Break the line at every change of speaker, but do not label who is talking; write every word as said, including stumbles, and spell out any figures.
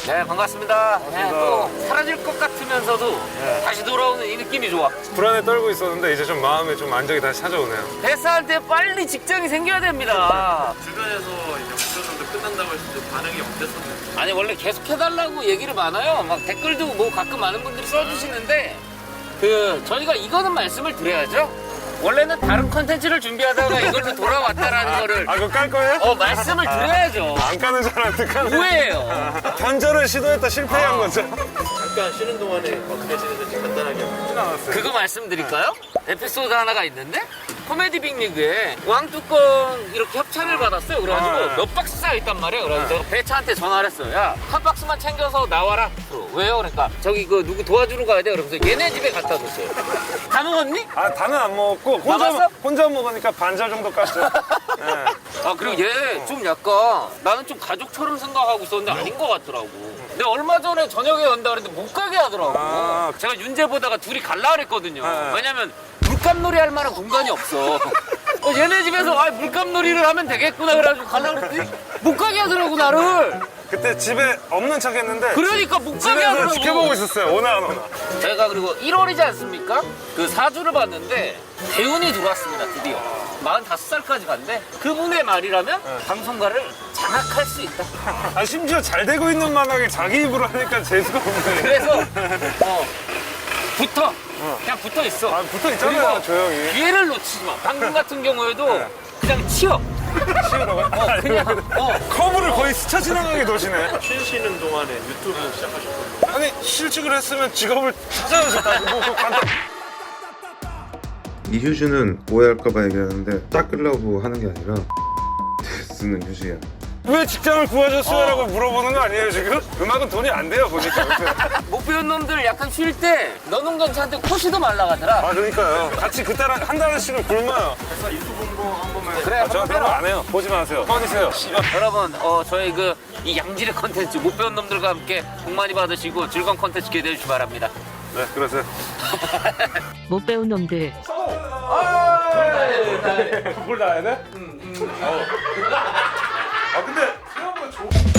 네, 반갑습니다. 네, 또 사라질 것 같으면서도
네.
다시 돌아오는 이 느낌이 좋아.
불안에 떨고 있었는데 이제 좀 마음에 좀 안정이 다시 찾아오네요.
회사한테 빨리 직장이 생겨야 됩니다.
주변에서 이제 목표도 끝난다고 했을 때 반응이 어땠었나요?
아니, 원래 계속 해달라고 얘기를 많아요. 막 댓글도 뭐 가끔 많은 분들이 써주시는데, 그, 저희가 이거는 말씀을 드려야죠. 원래는 다른 컨텐츠를 준비하다가 이걸로 돌아왔다라는 거를
아, 그거 깔 거예요?
어, 말씀을 드려야죠.
안 까는 줄 알았는데 까네.
오해예요.
변절을 시도했다 실패한
아.
거죠.
잠깐 쉬는 동안에 어떻게 지내는지 간단하게
쉽진 않았어요.
그거 말씀드릴까요? 에피소드 하나가 있는데 코미디 빅리그에 왕뚜껑 이렇게 협찬을 받았어요. 그래가지고
네.
몇 박스가 있단 말이에요. 그래서 제가 배차한테 전화를 했어요. 야, 한 박스만 챙겨서 나와라. 왜요? 그러니까 저기 그 누구 도와주러 가야 돼. 그러면서 얘네 집에 갖다 줬어요. 다 먹었니?
아, 다는 안 먹었고 혼자,
나갔어?
혼자 먹으니까 반절 정도 깠죠. 네.
아, 그리고 얘 좀 약간 나는 좀 가족처럼 생각하고 있었는데 아닌 것 같더라고. 내가 얼마 전에 저녁에 간다 그랬는데 못 가게 하더라고.
아.
제가 윤재 보다가 둘이 갈라 그랬거든요.
네.
왜냐면 물감놀이 할 만한 공간이 없어. 어, 얘네 집에서 아, 물감놀이를 하면 되겠구나 그래가지고 갈라 그랬더니 못 가게 하더라고 나를.
그때 집에 없는 척 했는데
그러니까 못 가게
집에서
하더라고.
지켜보고 있었어요. 오나 안 오나.
제가 그리고 일월이지 않습니까? 그 사주를 봤는데 대운이 들어왔습니다. 드디어 마흔다섯 살까지 간대. 그분의 말이라면 방송가를 장악할 수 있다.
아, 심지어 잘 되고 있는 만하게 자기 입으로 하니까 재수가 없네.
그래서 어, 붙어. 그냥 붙어 있어.
아, 붙어 있잖아요,
그리고
조용히.
기회를 놓치지 마. 방금 같은 경우에도 그냥 치어.
치우라고요?
어, 그냥 어.
커브를 거의 스쳐 지나가게 도시네.
쉬시는 동안에 유튜브 시작하셨거든요.
아니, 실직을 했으면 직업을 찾아오셨다고. 뭐, 그 간단...
이 휴지는 오해할까봐 얘기하는데 닦으려고 하는 게 아니라 쓰는 휴지야.
왜 직장을 구하셨어요? 라고 물어보는 거 아니에요, 지금? 음악은 돈이 안 돼요, 보니까.
못 배운 놈들 약간 쉴 때 너는 괜찮은데 코시도 말라가더라.
아, 그러니까요. 같이 그 딸 한 달씩은 굶어요.
회사 유튜브 홍보 한 번만
그래,
아,
한번
저는 그런 거
해라.
안 해요. 보지 마세요. 꺼지세요.
여러분, 어, 저희 그 이 양질의 컨텐츠 못 배운 놈들과 함께 복 많이 받으시고 즐거운 컨텐츠 기대해 주시기 바랍니다.
네, 그러세요.
못 배운 놈들.
뭘 나야 돼? 응, 응. 어. 아, 근데 생각보다 좋